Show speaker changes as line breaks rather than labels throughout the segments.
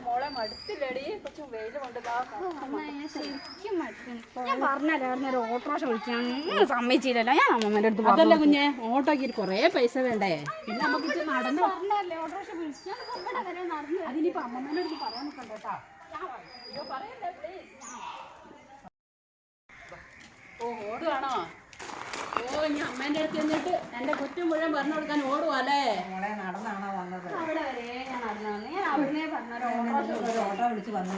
മോളെ മടുത്തില്ലടി കൊച്ചു വെയിൽ കൊണ്ട്
ശരിക്കും മടുക്കുന്നു. ഞാൻ പറഞ്ഞല്ലോ ഓട്ടോറിക്ഷ വിളിക്കാൻ സമ്മതിച്ചില്ലല്ലോ. ഞാൻ അമ്മമ്മേന്റെ അടുത്ത്
അതല്ല കുഞ്ഞെ ഓട്ടോക്ക് കുറേ പൈസ വേണ്ടേ പിന്നെ നമുക്ക് നടന്നു
പറഞ്ഞല്ലേ ഓട്ടോറിക്ഷ വിളിക്കാൻ നടന്നു.
അതിനിപ്പോ അമ്മമ്മേന്റെ അടുത്ത് പറയാൻ നിൽക്കണ്ട കേട്ടാ. ഓ ഓടുവാണോ? ഓ ഇനി അമ്മേന്റെ അടുത്ത് ചെന്നിട്ട് എന്റെ കുറ്റം മുഴുവൻ പറഞ്ഞു കൊടുക്കാൻ ഓടുവാല്ലേ?
മോളെ നടന്നാണോ വന്നത്?
അവിടെ വരെ ഞാൻ നടന്നു വന്നു. ഞാൻ അവിടുന്ന് പറഞ്ഞ
ഓട്ടോ വിളിച്ച് വന്നു.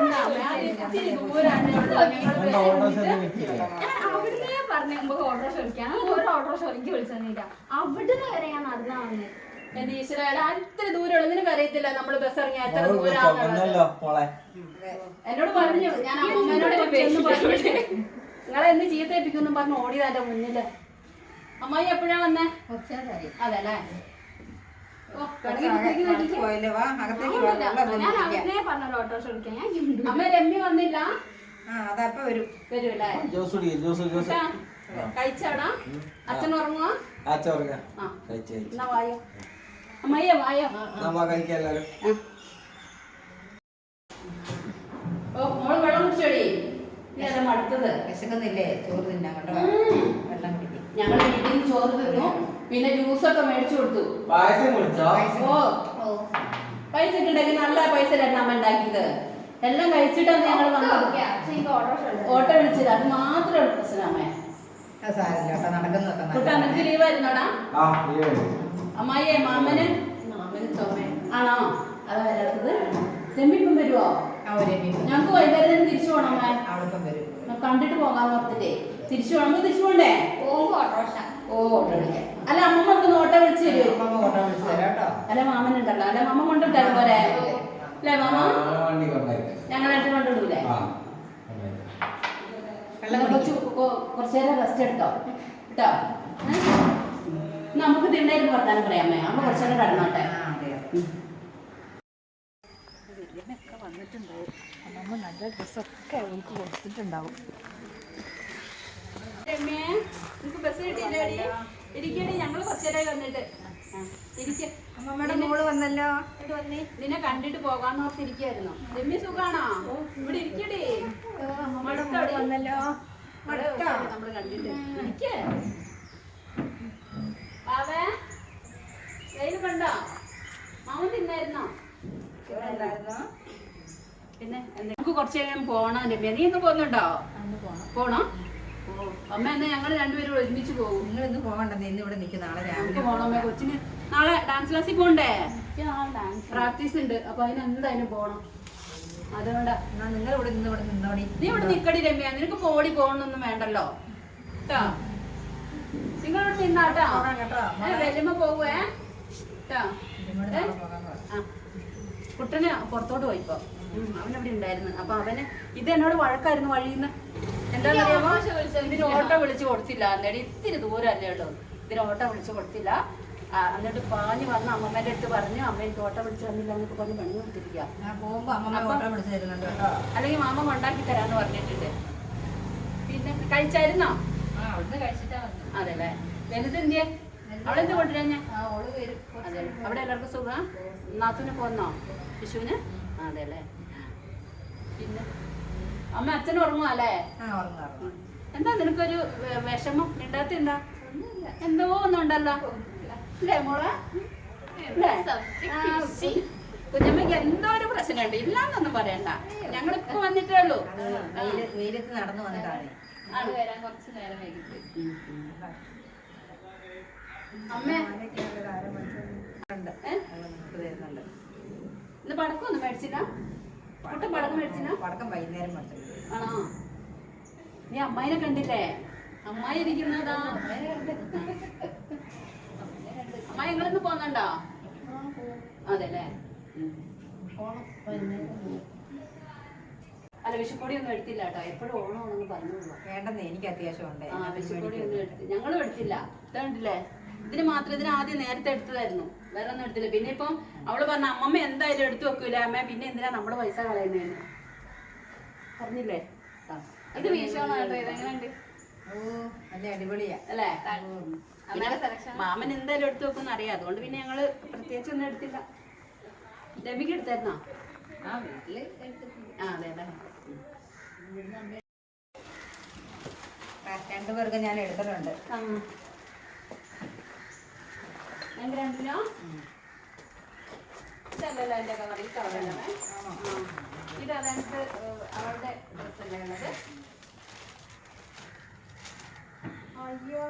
അവിടുന്ന് പറഞ്ഞ നമുക്ക് ഓട്ടോറിക്ഷ വിളിക്കാൻ ഓരോ ഓട്ടോറിക്ഷ എനിക്ക് വിളിച്ചില്ല. അവിടുന്ന് വരെ ഞാൻ നടന്നാ വന്നത്.
എന്റെ ഈശ്വര ഇത്തിരി ദൂരമുള്ള നിനക്ക് അറിയത്തില്ല നമ്മള് ബസ് ഇറങ്ങിയ എത്ര ദൂരം എന്നോട് പറഞ്ഞു. ഞാൻ അമ്മമ്മേനോട് നിങ്ങളെ എന്ന് ചീത്തേപ്പിക്കുന്നു പറഞ്ഞു ഓടിയതാ എന്റെ മുന്നില്. അമ്മായി എപ്പോഴാ വന്നേ? അതെല്ലേ അമ്മ രമ്യ വന്നില്ല. വരൂല്ലേ? കഴിച്ചാടാ? അച്ഛൻ ഉറങ്ങുവാ? എന്നാ വായോ അമ്മയ്യ വായോ. ഓ മോള് വെള്ളം കുടിച്ചോടി. നീ മടുത്തത്
വിശക്കുന്നില്ലേ? ചോറ് തിന്നാ കേട്ടോ. വെള്ളം കുടിക്കും.
ഞങ്ങൾ വീട്ടിൽ നിന്ന് ചോറ് തിന്നു. പിന്നെ ജ്യൂസൊക്കെ മേടിച്ചു കൊടുത്തു. ഓ പൈസ ഉണ്ടെങ്കിൽ നല്ല പൈസ അമ്മ ഉണ്ടാക്കിയത്. എല്ലാം കഴിച്ചിട്ടാണ് ഞങ്ങൾ വന്നത്. ഓട്ടോ വിളിച്ചില്ല. അത് മാത്രമേ പ്രശ്നം അമ്മേ. നിനക്ക് ലീവായിരുന്നോടാ? അമ്മായിയെ മാമന് ചുമ ആണോ? അതാ വരാത്തത്. രമ്മിപ്പം വരുവോ? ഞങ്ങക്ക് വൈകുന്നേരം തിരിച്ചു പോകണം അമ്മ. കണ്ടിട്ട് പോകാന്ന് പറഞ്ഞിട്ടേ തിരിച്ചു പോകണം. തിരിച്ചു പോണ്ടേ? ഓ ഓട്ടോ വിളിക്കാം. അല്ല അമ്മമ്മ ഓട്ടോ വിളിച്ചു തരുമോ? അല്ല മാമൻ ഉണ്ടല്ലോ. അല്ല മാമ കൊണ്ടിട്ടാലും പോരെ അല്ലേ? മാമ ഞങ്ങളായിട്ട് കൊണ്ടിടൂലേ? കുറച്ചേരം റെസ്റ്റ് എടുത്തോ കേട്ടോ. നമുക്ക് തിണ്ടായിരുന്നു വർത്താനം പറയാമേ. അമ്മ കുറച്ചേരം കടന്നോട്ടെ. വന്നിട്ടുണ്ടാവും. അമ്മ നല്ല ഡ്രസ്സൊക്കെ അവൾക്ക് കൊടുത്തിട്ടുണ്ടാവും. രമ്യേ നിനക്ക് ബസ് കിട്ടിയില്ലേടി? ഇരിക്കടി. ഞങ്ങള് കുറച്ചേരായി വന്നിട്ട്.
അമ്മമ്മയുടെ മോള് വന്നല്ലോ.
നിന്നെ കണ്ടിട്ട് പോകാന്ന് ഓർത്തിരിക്കായിരുന്നു. രമ്യ സുഖാണോ? ഇവിടെ ഇരിക്കടി.
വന്നല്ലോ.
നമ്മള് കണ്ടിട്ട് ഇരിക്കേ. പാവേ വെയിൽ കണ്ടോ? മാമൻ തിന്നായിരുന്നോ? പിന്നെ നമുക്ക് കുറച്ച് കഴിയാൻ പോണം. രമ്യ നീ ഇന്ന് പോകുന്നുണ്ടോ? പോണോ? അമ്മ എന്നാ ഞങ്ങൾ രണ്ടുപേരും ഒരുമിച്ച് പോകും.
നിങ്ങൾ ഇന്ന് പോകണ്ടെന്ന് ഇന്ന് ഇവിടെ നിൽക്കും. നാളെ രാവിലെ
പോണോ അമ്മ? കൊച്ചിന് നാളെ ഡാൻസ് ക്ലാസ്സിൽ പോണ്ടേ? പ്രാക്ടീസ് ഉണ്ട്. അപ്പൊ അതിന് എന്തായാലും പോണം. അതുകൊണ്ടാ
നിങ്ങൾ ഇവിടെ നിന്ന് ഇവിടെ നിന്നോടി.
നീ ഇവിടെ നിക്കടി രമ്യ. നിനക്ക് പോടി പോകണമെന്നൊന്നും വേണ്ടല്ലോ കേട്ടോ. നിങ്ങളിവിടെ നിന്നാട്ടോ. വെല്ലുമ്പോ പോവേ കേട്ടോ. കുട്ടന് പുറത്തോട്ട് പോയിപ്പോ. അവനവിടെ ഉണ്ടായിരുന്നു. അപ്പൊ അവന് ഇത് എന്നോട് വഴക്കായിരുന്നു വഴിന്ന്. എന്താണെന്നറിയാമോ? ഇതിന് ഓട്ടോ വിളിച്ചു കൊടുത്തില്ല. എന്നിട്ട് ഇത്തിരി ദൂരല്ലേ ഉള്ളൂ. ഇതിന് ഓട്ടോ വിളിച്ചു കൊടുത്തില്ല. എന്നിട്ട് പാഞ്ഞു വന്ന് അമ്മമ്മേന്റെ അടുത്ത് പറഞ്ഞു അമ്മ എനിക്ക് ഓട്ടോ വിളിച്ചു തന്നില്ല എന്നൊക്കെ പറഞ്ഞ് പണി കൊടുത്തിരിക്കുക. അല്ലെങ്കിൽ മാമ കൊണ്ടാക്കി തരാന്ന് പറഞ്ഞിട്ടുണ്ട്. പിന്നെ കഴിച്ചായിരുന്നോ? അതെല്ലേ. വലുത് എന്തിയെ? അവളെന്ത് കൊണ്ടുവരാ? അതെ. അവിടെ എല്ലാവർക്കും സുഖം? നാത്തൂന് പോന്നോ വിഷുവിന്? അതെല്ലേ. പിന്നെ അമ്മ അച്ഛൻ ഉറങ്ങുക അല്ലേ? എന്താ നിനക്കൊരു വിഷമം? മിണ്ടാത്തിണ്ടാ? എന്തോ ഒന്നും ഉണ്ടല്ലോ അല്ലേ മോളെ? കുഞ്ഞമ്മയ്ക്ക് എന്തോ ഒരു പ്രശ്നമുണ്ട്. ഇല്ലാന്നൊന്നും പറയണ്ട. ഞങ്ങളിപ്പോ വന്നിട്ടേ ഉള്ളൂ.
വെയിലത്ത് നടന്നു വന്നിട്ടാണ്.
കുറച്ച് നേരം വൈകിട്ട് അമ്മ ഇന്ന് പടക്കൊന്നും മേടിച്ചില്ല? പടക്കം മേടിച്ചില്ല?
പടക്കം വൈകുന്നേരം
ആണോ? നീ അമ്മായിനെ കണ്ടില്ലേ? അമ്മായി ഇരിക്കുന്നതാ. അമ്മായി നിങ്ങളിന്ന് പോന്നുണ്ടോ? അതെല്ലേ. അല്ല വിഷുക്കോടി ഒന്നും എടുത്തില്ല കേട്ടോ. എപ്പോഴും ഓണമാണെന്ന് പറഞ്ഞോളൂ.
വേണ്ടെന്ന് എനിക്ക് അത്യാവശ്യമുണ്ട്.
വിഷുക്കോടി ഒന്നും എടുത്തില്ല. ഞങ്ങളും എടുത്തില്ല. ഇതുണ്ടല്ലേ ഇതിന് മാത്രം. ഇതിന് ആദ്യം നേരത്തെ എടുത്തതായിരുന്നു. വേറെ ഒന്നും എടുത്തില്ല. പിന്നെ ഇപ്പം അവള് പറഞ്ഞ അമ്മമ്മ എന്തായാലും എടുത്തു വെക്കൂല അമ്മ. പിന്നെ എന്തിനാ നമ്മള് പൈസ കളയുന്നതെന്ന് പറഞ്ഞില്ലേ?
ഇത് എങ്ങനെയുണ്ട്?
ഓ നല്ല അടിപൊളിയാ
അല്ലേ? മാമൻ എന്തായാലും എടുത്തു വെക്കുമെന്ന് അറിയാം. അതുകൊണ്ട് പിന്നെ ഞങ്ങള് പ്രത്യേകിച്ച് ഒന്നും എടുത്തില്ല. രമിക്ക് എടുത്തായിരുന്നോ?
ആ വീട്ടില് എടുത്തിട്ടുണ്ട്.
ആ അതെ അല്ലേ.
രണ്ടുപേർക്ക് ഞാൻ എടുത്തിട്ടുണ്ട്.
ആ എനിക്ക് 2 കിലോ ഇതല്ലല്ലോ എൻ്റെ കളർ, ഈ കളറല്ലേ? ഇത് അതായത് അവളുടെ ഡ്രസ്സല്ലേ ഉള്ളത്. അയ്യോ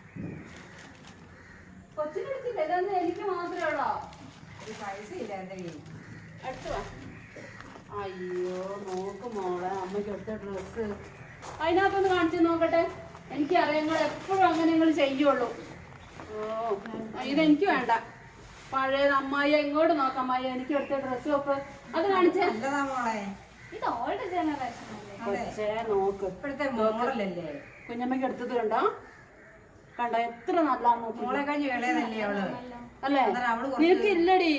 കൊച്ചിനെടുത്തില്ല, ഇതൊന്നും എനിക്ക് മാത്രമേ ഉള്ളോ?
ഒരു പൈസ ഇല്ല എൻ്റെ കയ്യിൽ.
അടുത്ത് വാ. അയ്യോ നോക്ക് മോളെ, അമ്മയ്ക്ക് എടുത്ത ഡ്രസ്സ് അതിനകത്തൊന്ന് കാണിച്ചു നോക്കട്ടെ. എനിക്കറിയാം നിങ്ങൾ എപ്പോഴും അങ്ങനെ നിങ്ങൾ ചെയ്യുള്ളൂ. ഓ ഇതെനിക്ക് വേണ്ട. പഴയത് അമ്മായി ഇങ്ങോട്ട് നോക്കാം. അമ്മായി എനിക്ക് എടുത്ത ഡ്രസ്സ് ഒക്കെ അത് കാണിച്ചേ.
നല്ലതാ മോളെ.
ഇത് ഓൾഡ് ജനറേഷൻ അല്ലേ?
കൊച്ചേ നോക്ക്,
ഇപ്പോഴത്തെ മോഡലല്ലേ?
കുഞ്ഞമ്മയ്ക്ക് എടുത്തത് കണ്ടോ? കണ്ടോ എത്ര നല്ലാന്ന് നോക്കി.
മോളെ കഴിഞ്ഞ് വിളയതല്ലേ അവള്?
അല്ലേ?
അന്നേരം അവള്
നിനക്ക് ഇല്ലടി.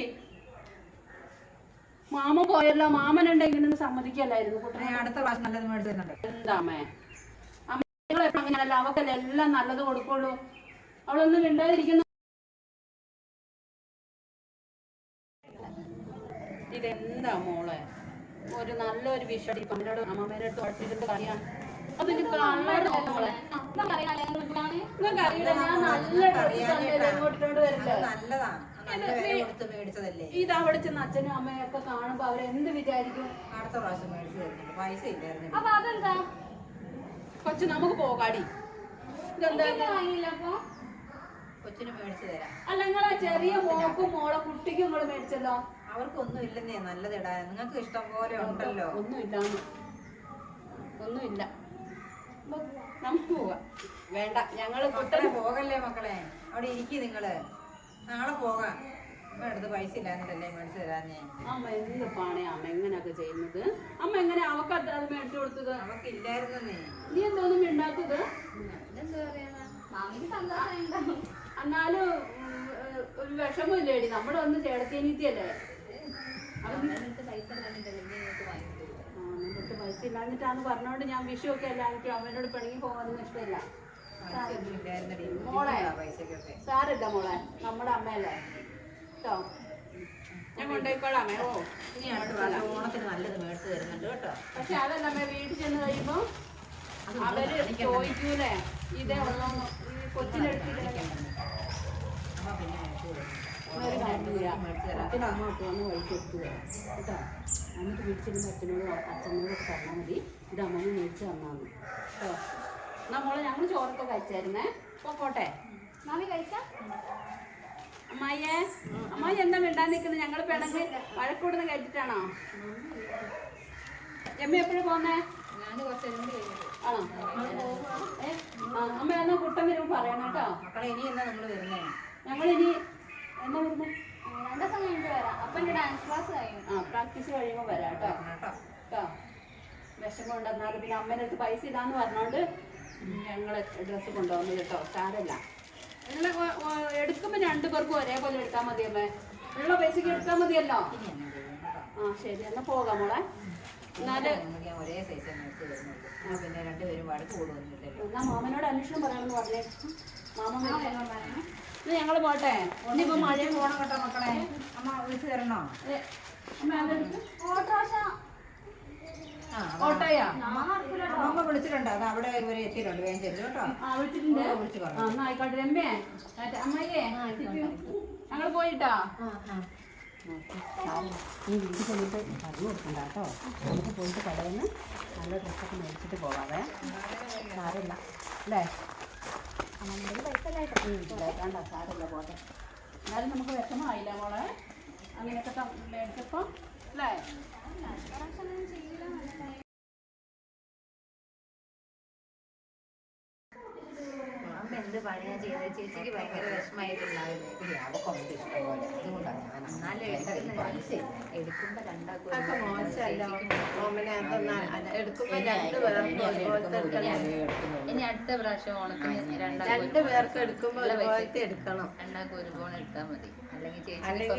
മാമ പോയല്ലോ, മാമനുണ്ടെങ്കിലും സമ്മതിക്കല്ലായിരുന്നു കുട്ടനെ.
അടുത്ത പ്രാവശ്യം നല്ലത് മേടിച്ചു തരുന്നുണ്ട്.
എന്താ അമ്മേ, അമ്മ അങ്ങനെയല്ല, അവക്കല്ലേ എല്ലാം നല്ലത് കൊടുക്കുള്ളൂ. അവളൊന്നും മിണ്ടാതിരിക്കുന്നു. ഇതെന്താ മോളെ, ഒരു നല്ലൊരു വിഷയം പണ്ടോട് അമ്മമ്മേടെ അടുത്ത് പഠിച്ചിട്ട് അറിയാം. അതിന് കളർ മോളെ നിങ്ങൾക്ക് അറിയില്ല. ഞാൻ നല്ല ഇങ്ങോട്ടോട് വരില്ല.
നല്ലതാ, നല്ല വില കൊടുത്ത് മേടിച്ചതല്ലേ?
ഇത് അവിടെ ചെന്ന് അച്ഛനും അമ്മയും ഒക്കെ കാണുമ്പോ അവരെന്ത് വിചാരിക്കും?
അടുത്ത പ്രാവശ്യം മേടിച്ചു തരുന്നുണ്ട്. പൈസ ഇല്ലായിരുന്നു.
അപ്പൊ അതെന്താ
കൊച്ചു നമുക്ക് പോകാടി. ഇതെന്താ
വാങ്ങിയില്ല? അപ്പൊ
കൊച്ചിന് മേടിച്ചു തരാം.
അല്ല നിങ്ങളെ ചെറിയ മോക്കും മോളെ കുട്ടിക്കും നിങ്ങൾ മേടിച്ചല്ലോ.
അവർക്കൊന്നും ഇല്ലെന്നേ, നല്ലത് ഇടാൻ. നിങ്ങൾക്ക് ഇഷ്ടം പോലെ ഉണ്ടല്ലോ.
ഒന്നുമില്ല. നമുക്ക് പോവാം. വേണ്ട, ഞങ്ങള്
മക്കളെ പോകല്ലേ മക്കളെ, അവിടെ ഇരിക്കും നിങ്ങള്. നാളെ പോകാം. അമ്മ അടുത്ത് പൈസ ഇല്ലാന്നിട്ടല്ലേ മേടിച്ചു തരാന്നേ.
അമ്മ എന്ത് പാണേ അമ്മ എങ്ങനെയൊക്കെ ചെയ്യുന്നത്? അമ്മ എങ്ങനെ അവക്ക് അത് മേടിച്ചു കൊടുത്തത്?
അവക്ക് ഇല്ലായിരുന്നേ.
നീ എന്തോന്നും മിണ്ടാത്തത്?
എന്താ പറയാ, മാമിക്ക് സന്തോഷം ഉണ്ടാവും.
എന്നാലും ഒരു വിഷമില്ലേടി, നമ്മുടെ ഒന്ന് ചേടത്തേനീത്തിയല്ലേ.
പൈസ
എന്നിട്ട് പൈസ ഇല്ലാഞ്ഞിട്ടാന്ന് പറഞ്ഞോണ്ട് ഞാൻ വിഷുവൊക്കെ അല്ല എനിക്ക് അമ്മേനോട് പിണങ്ങി പോകാനൊന്നും ഇഷ്ടമില്ല. മോളെ സാരില്ല മോളെ, നമ്മുടെ അമ്മയല്ലേ കേട്ടോ. ഞാൻ കൊണ്ടുപോയിക്കോളാമേ. ഓ
ഇനി അടുത്ത പ്രാവശ്യം ഓണത്തിന് നല്ലത് മേടിച്ചു തരുന്നുണ്ട് കേട്ടോ.
പക്ഷെ അതല്ല അമ്മ, വീട്ടിൽ ചെന്ന് കഴിയുമ്പോ അവര് ചോദിക്കൂലേ ഇതേ ഉള്ളോന്ന്. ഈ കൊച്ചിനെടുത്തിട്ട്
അമ്മ പിന്നെ മേടിച്ചു തരും.
ഒരു കാര്യം ചെയ്യാം, അച്ഛനും അമ്മ വന്ന് വഴിക്ക് എടുത്തു തരാം കേട്ടോ. എന്നിട്ട് വീട്ടിൽ അച്ഛനോടൊക്കെ പറഞ്ഞാൽ മതി ഇത് അമ്മനെ മേടിച്ച് തന്നാന്ന് കേട്ടോ. എന്നാ മോളെ ഞങ്ങൾ ചോറൊക്കെ കഴിച്ചായിരുന്നേ. പോട്ടെ
മാമി കഴിക്കാം.
അമ്മായി എന്താ മിണ്ടാൻ നിൽക്കുന്നത്? ഞങ്ങൾ പിണങ്ങ് വഴക്കൂടുന്ന കഴിച്ചിട്ടാണോ? എമ്മ എപ്പോഴും പോന്നേ?
ഞാൻ കുറച്ച്
ആണോ? അമ്മ എന്നാ കുട്ടൻ വരുമ്പോ പറയണം കേട്ടോ.
മക്കളെ ഇനി എന്നാ നിങ്ങൾ വരുന്നേ?
ഞങ്ങളിനി എന്നാ വരുന്നേ?
2 ദിവസം കഴിഞ്ഞിട്ട് വരാം. അപ്പൊ എന്റെ ഡാൻസ് ക്ലാസ് കഴിയും.
പ്രാക്ടീസ് കഴിയുമ്പോ വരാം കേട്ടോ. കേട്ടോ വിഷമം ഉണ്ടെന്നാലും പിന്നെ അമ്മേൻ്റെ അടുത്ത് പൈസ ഇല്ലാന്ന് പറഞ്ഞോണ്ട് ഞങ്ങൾ ഡ്രസ്സ് കൊണ്ടുവന്നത് കേട്ടോ. സാരല്ല, നിങ്ങൾ എടുക്കുമ്പോൾ 2 പേർക്കും ഒരേപോലെ എടുത്താൽ മതി അമ്മേ. ഉള്ള പൈസക്ക് എടുത്താൽ മതിയല്ലോ. ആ ശരി, എന്നാ പോകാം മോളെ. എന്നാല്
ഒരേ സൈസ് മേടിച്ചു തരുന്നുള്ളൂ. പിന്നെ രണ്ടുപേരും വഴക്ക് കൂടുവന്നില്ലല്ലോ.
എന്നാ മാമനോട് അന്വേഷണം പറയണമെന്ന് പറഞ്ഞേ. മാമൻ എന്നാ ഞങ്ങൾ പോട്ടെ. ഇനിയിപ്പോ മഴയും
പോണം കേട്ടോ മക്കളെ. അമ്മ വിളിച്ചു തരണോ?
അമ്മ അതെടുത്ത്
ഓട്ടോഷ
ഓട്ടോയാ?
അമ്മ വിളിച്ചിട്ടുണ്ട്. അത് അവിടെ ഇവരെ എത്തിയിട്ടുണ്ട്. വേഗം ചെല്ലു കേട്ടോ.
ആ വിളിച്ചിട്ടുണ്ട്.
വിളിച്ചു പറഞ്ഞു.
എന്നാ ആയിക്കോട്ടെ. രമ്യേ അമ്മയ്യേ ഞങ്ങൾ പോയിട്ടാ. ഈ വീട്ടിൽ ചെന്നിട്ട് പറഞ്ഞു കൊടുക്കണ്ട കേട്ടോ. നമുക്ക് പോയിട്ട് കടയിൽ നിന്ന് നല്ല ഡ്രസ്സൊക്കെ മേടിച്ചിട്ട് പോകാവേ. സാരമില്ല അല്ലേ? വേണ്ട സാരമില്ല, പോട്ടെ. എന്നാലും നമുക്ക് വിഷമമായില്ല മോളെ അങ്ങനെയൊക്കെ മേടിച്ചപ്പോൾ അല്ലേ?
അമ്മ എന്ത് പണിയാ ചെയ്തത്? ചേച്ചിക്ക് ഭയങ്കര വിഷമമായിട്ടുണ്ടാവില്ലേ? അവക്കൊന്നും ഇഷ്ടം പോലെ. അതുകൊണ്ടാണ് ഞാൻ എന്നാലും പൈസ എടുക്കുമ്പോ
ഇനി അടുത്ത പ്രാവശ്യം ഓണത്തിന്
2 പേർക്ക് എടുക്കുമ്പോൾ ഒരുപോലത്തെ എടുക്കണം.
2 ഒരു ഫോൺ എടുത്താൽ മതി. അല്ലെങ്കിൽ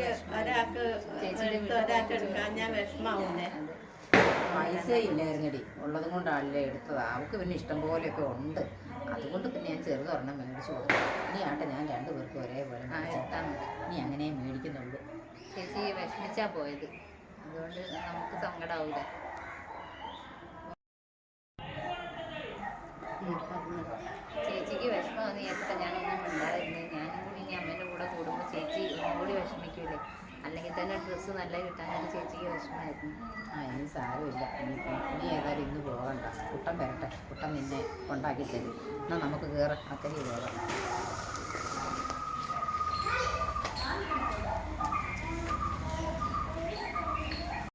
ഒരാൾക്ക് എടുക്കാൻ ഞാൻ വിഷമാവുന്നേ.
പൈസ ഇല്ലായിരുന്നടി, ഉള്ളത് കൊണ്ടാണല്ലേ എടുത്തത്. അവൾക്ക് പിന്നെ ഇഷ്ടം പോലെയൊക്കെ ഉണ്ട്. അതുകൊണ്ട് പിന്നെ ഞാൻ ചെറുതൊരെണ്ണം മേടിച്ചു കൊടുത്തു. ഇനി ആട്ടെ, ഞാൻ 2 പേർക്കും ഒരേപോലെ
എടുത്താൽ മതി.
ഇനി അങ്ങനെ മേടിക്കുന്നുള്ളൂ.
ചേച്ചി വിഷമിച്ചാ പോയത്. അതുകൊണ്ട് നമുക്ക് സങ്കടാവൂല. ചേച്ചിക്ക് വിഷമമാണെന്ന് വിചാരിച്ചിട്ട് ഞാനൊന്നും ഉണ്ടായിരുന്നത്. ഞാനും ഇനി അമ്മേൻ്റെ കൂടെ കൂടുമ്പോൾ ചേച്ചി ഒന്നുകൂടി വിഷമിക്കൂലേ. അല്ലെങ്കിൽ തന്നെ ഡ്രസ്സ് നല്ല കിട്ടാനായിട്ട് ചേച്ചിക്ക് വിഷമമായിരുന്നു.
ഇനി സാരമില്ല. ഇനി ഏതായാലും ഇന്ന് പോകണ്ട. കുട്ടൻ വരട്ടെ, കുട്ടൻ നിന്നെ കൊണ്ടാക്കി തരും. എന്നാൽ നമുക്ക് കയറാം, അക്കരെ പോകാം.